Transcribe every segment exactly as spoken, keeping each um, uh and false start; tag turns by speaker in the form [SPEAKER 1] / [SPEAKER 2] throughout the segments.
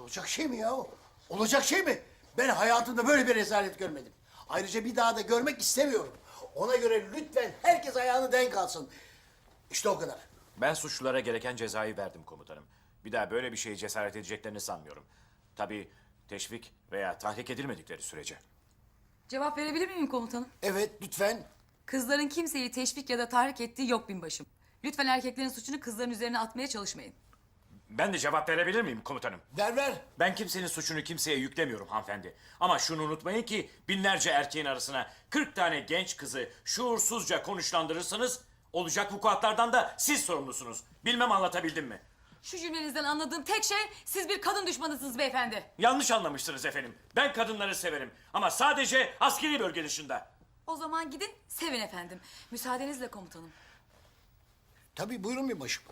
[SPEAKER 1] Olacak şey mi ya? Olacak şey mi? Ben hayatımda böyle bir rezalet görmedim. Ayrıca bir daha da görmek istemiyorum. Ona göre lütfen herkes ayağını denk alsın. İşte o kadar.
[SPEAKER 2] Ben suçlulara gereken cezayı verdim komutanım. Bir daha böyle bir şeye cesaret edeceklerini sanmıyorum. Tabii teşvik veya tahrik edilmedikleri sürece.
[SPEAKER 3] Cevap verebilir miyim komutanım?
[SPEAKER 1] Evet, lütfen.
[SPEAKER 3] Kızların kimseyi teşvik ya da tahrik ettiği yok binbaşım. Lütfen erkeklerin suçunu kızların üzerine atmaya çalışmayın.
[SPEAKER 2] Ben de cevap verebilir miyim komutanım?
[SPEAKER 1] Ver ver.
[SPEAKER 2] Ben kimsenin suçunu kimseye yüklemiyorum hanımefendi. Ama şunu unutmayın ki binlerce erkeğin arasına kırk tane genç kızı şuursuzca konuşlandırırsanız olacak vukuatlardan da siz sorumlusunuz. Bilmem anlatabildim mi?
[SPEAKER 3] Şu cümlenizden anladığım tek şey siz bir kadın düşmanısınız beyefendi.
[SPEAKER 2] Yanlış anlamışsınız efendim. Ben kadınları severim ama sadece askeri bölge dışında.
[SPEAKER 3] O zaman gidin sevin efendim. Müsaadenizle komutanım.
[SPEAKER 1] Tabii buyurun bir başım.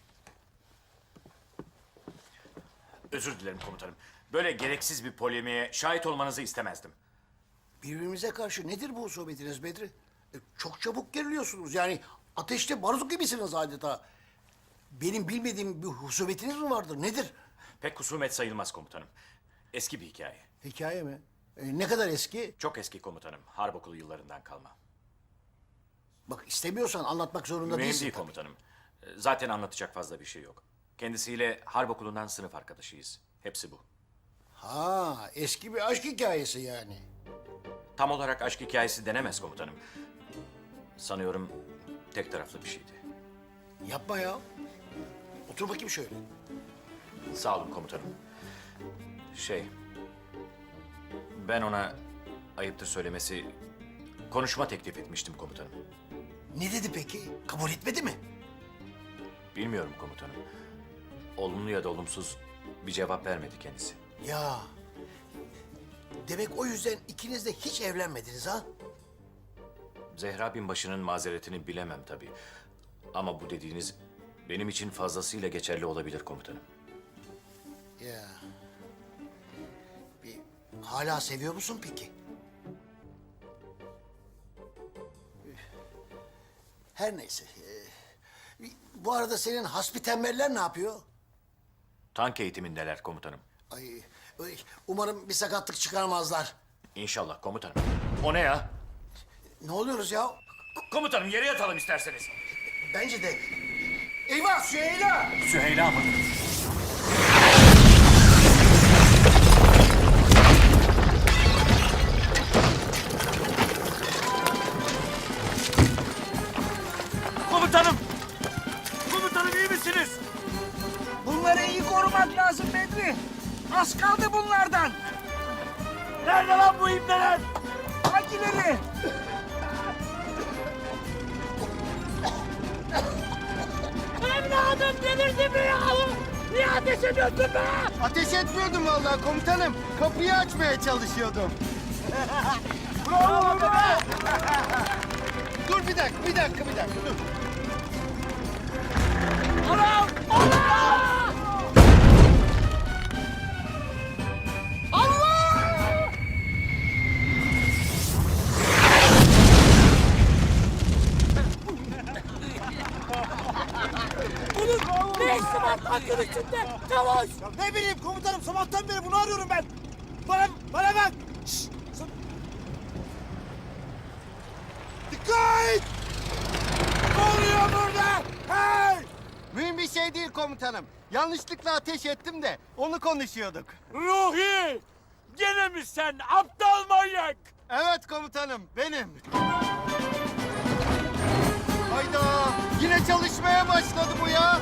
[SPEAKER 2] Özür dilerim komutanım. Böyle gereksiz bir polemiğe şahit olmanızı istemezdim.
[SPEAKER 1] Birbirimize karşı nedir bu sohbetiniz Bedri? E, çok çabuk geriliyorsunuz. Yani ateşte barut gibisiniz adeta. Benim bilmediğim bir husubetiniz mi vardır? Nedir?
[SPEAKER 2] Pek husumet sayılmaz komutanım. Eski bir hikaye.
[SPEAKER 1] Hikaye mi? E, ne kadar eski?
[SPEAKER 2] Çok eski komutanım. Harp okulu yıllarından kalma.
[SPEAKER 1] Bak istemiyorsan anlatmak zorunda
[SPEAKER 2] Mühim
[SPEAKER 1] değilsin.
[SPEAKER 2] değil
[SPEAKER 1] tabii.
[SPEAKER 2] komutanım. Zaten anlatacak fazla bir şey yok. Kendisiyle harp okulundan sınıf arkadaşıyız. Hepsi bu.
[SPEAKER 1] Ha, eski bir aşk hikayesi yani.
[SPEAKER 2] Tam olarak aşk hikayesi denemez komutanım. Sanıyorum tek taraflı bir şeydi.
[SPEAKER 1] Yapma ya. Otur bakayım şöyle.
[SPEAKER 2] Sağ olun komutanım. Şey... Ben ona ayıptır söylemesi konuşma teklif etmiştim komutanım.
[SPEAKER 1] Ne dedi peki? Kabul etmedi mi?
[SPEAKER 2] Bilmiyorum komutanım. Olumlu ya da olumsuz bir cevap vermedi kendisi.
[SPEAKER 1] Ya. Demek o yüzden ikiniz de hiç evlenmediniz ha?
[SPEAKER 2] Zehra binbaşının mazeretini bilemem tabii. Ama bu dediğiniz benim için fazlasıyla geçerli olabilir komutanım.
[SPEAKER 1] Ya. Bir, hala seviyor musun peki? Her neyse. Ee, bu arada senin hasbi tembeller ne yapıyor?
[SPEAKER 2] Tank eğitimindeler komutanım.
[SPEAKER 1] Ay, ay, umarım bir sakatlık çıkarmazlar.
[SPEAKER 2] İnşallah komutanım. O ne ya?
[SPEAKER 1] Ne oluyoruz ya?
[SPEAKER 2] Komutanım yere yatalım isterseniz.
[SPEAKER 1] Bence de. Eyvah Süheyla!
[SPEAKER 2] Süheyla mı? Komutanım! Komutanım iyi misiniz?
[SPEAKER 4] Bunları iyi korumak lazım Bedri. Az kaldı bunlardan.
[SPEAKER 2] Nerede lan bu ibneler?
[SPEAKER 4] Hangileri? Evladım delirdi mi ya? Niye ateş ediyorsun be?
[SPEAKER 5] Ateş etmiyordum vallahi komutanım. Kapıyı açmaya çalışıyordum.
[SPEAKER 4] Bravo be!
[SPEAKER 5] Dur bir dakika, bir dakika, bir dakika. Dur.
[SPEAKER 4] Anam! Allah! Allah! Bunun ne işi var tankın içinde? Çavuş!
[SPEAKER 5] Ne bileyim komutanım, sabahtan beri bunu arıyorum ben. Bana, bana bak. Şşş! Dikkat!
[SPEAKER 4] Ne oluyor burada? Hey!
[SPEAKER 5] Mühim bir şey değil komutanım. Yanlışlıkla ateş ettim de onu konuşuyorduk.
[SPEAKER 4] Ruhi! Gene mi sen aptal manyak?
[SPEAKER 5] Evet komutanım, benim. Hayda! Yine çalışmaya başladı bu ya.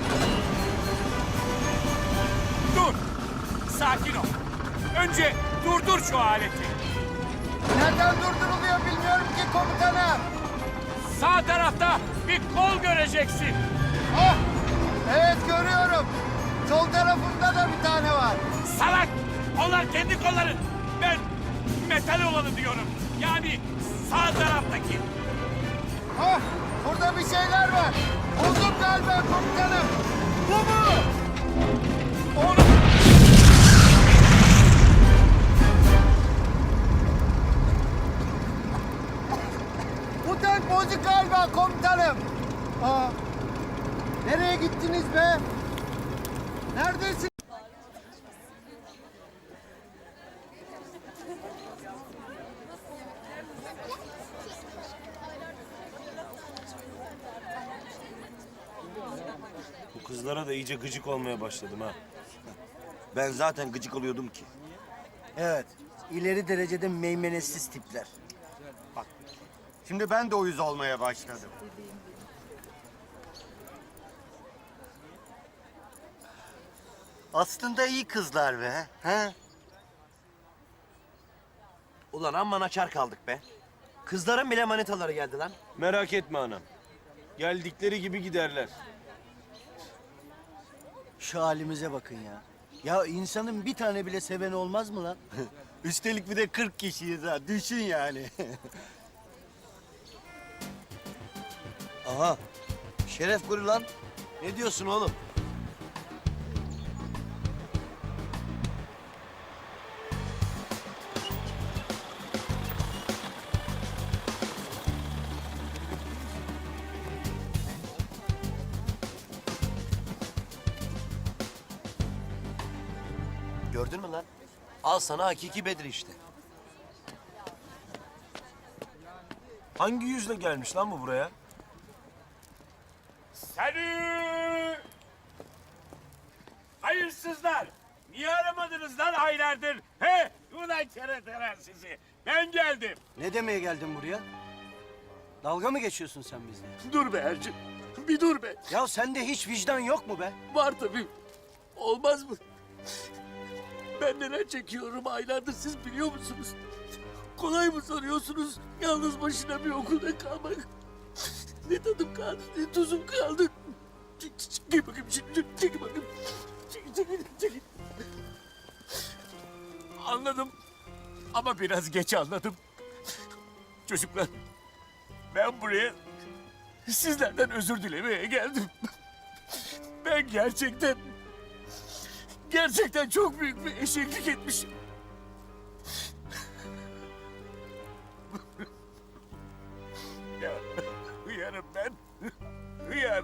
[SPEAKER 4] Dur! Sakin ol. Önce durdur şu aleti.
[SPEAKER 5] Nereden durduruluyor bilmiyorum ki komutanım.
[SPEAKER 4] Sağ tarafta bir kol göreceksin.
[SPEAKER 5] Ah! Evet görüyorum. Sol tarafında da bir tane var.
[SPEAKER 4] Salak! Onlar kendi kolların. Ben metal olanı diyorum. Yani sağ taraftaki.
[SPEAKER 5] Ah! Burada bir şeyler var. Buldum galiba komutanım.
[SPEAKER 4] Bu mu? Onu...
[SPEAKER 5] Bu tank bozuk galiba komutanım. Aa, nereye gittiniz be? Neredesin?
[SPEAKER 6] Kızlara da iyice gıcık olmaya başladım ha.
[SPEAKER 7] Ben zaten gıcık oluyordum ki.
[SPEAKER 5] Evet. ileri derecede meymenetsiz tipler. Bak. Şimdi ben de uyuz olmaya başladım. Aslında iyi kızlar be. He?
[SPEAKER 7] Ulan amma açar kaldık be. Kızların bile manitaları geldi lan.
[SPEAKER 6] Merak etme anam. Geldikleri gibi giderler.
[SPEAKER 5] Şu halimize bakın ya. Ya insanın bir tane bile seven olmaz mı lan? Üstelik bir de kırk kişiyiz ha. Düşün yani.
[SPEAKER 7] Aha. Şeref kuru lan. Ne diyorsun oğlum? Gördün mü lan? Al sana hakiki Bedir işte.
[SPEAKER 6] Hangi yüzle gelmiş lan bu buraya?
[SPEAKER 4] Salü! Hayırsızlar! Niye aramadınız lan aylardır? He? Ulan kereteler sizi. Ben geldim.
[SPEAKER 5] Ne demeye geldin buraya? Dalga mı geçiyorsun sen bizle?
[SPEAKER 4] Dur be Ercim. Bir dur be.
[SPEAKER 5] Ya sende hiç vicdan yok mu be?
[SPEAKER 4] Var tabii. Olmaz mı? Ben neler çekiyorum aylardır siz biliyor musunuz? Kolay mı sanıyorsunuz yalnız başına bir okulda kalmak? Ne tadım kaldı, ne tuzum kaldı. Çek, çek, çekil bakayım şimdi, çek, çekil bakayım. Çekil, çekil, çekil. Anladım ama biraz geç anladım. Çocuklar, ben buraya sizlerden özür dilemeye geldim. Ben gerçekten, gerçekten çok büyük bir eşeklik etmişim. Ya, hıyarım ben. Hıyar.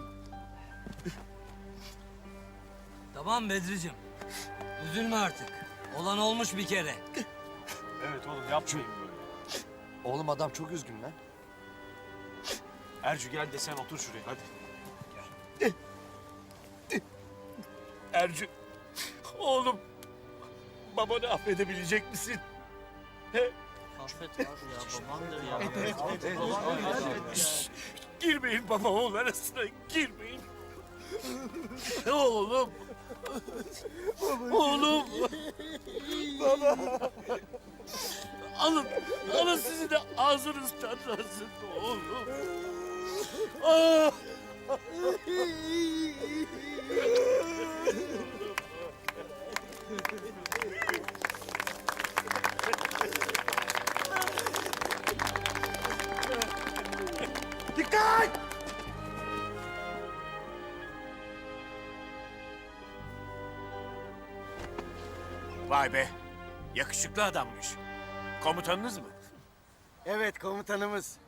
[SPEAKER 8] Tamam Bedriciğim. Üzülme artık. Olan olmuş bir kere.
[SPEAKER 6] Evet oğlum yapmayın böyle.
[SPEAKER 7] Oğlum adam çok üzgün lan.
[SPEAKER 6] Ercü gel de sen otur şuraya hadi.
[SPEAKER 4] Ercü, oğlum, babanı affedebilecek misin? He? Şşş, girmeyin baba oğul arasına, girmeyin. Oğlum. Oğlum. Baba. Alın, alın sizi de ağzınız tatlansın oğlum. Ah!
[SPEAKER 5] Dikkat!
[SPEAKER 4] Vay be, yakışıklı adammış. Komutanınız mı?
[SPEAKER 5] Evet komutanımız.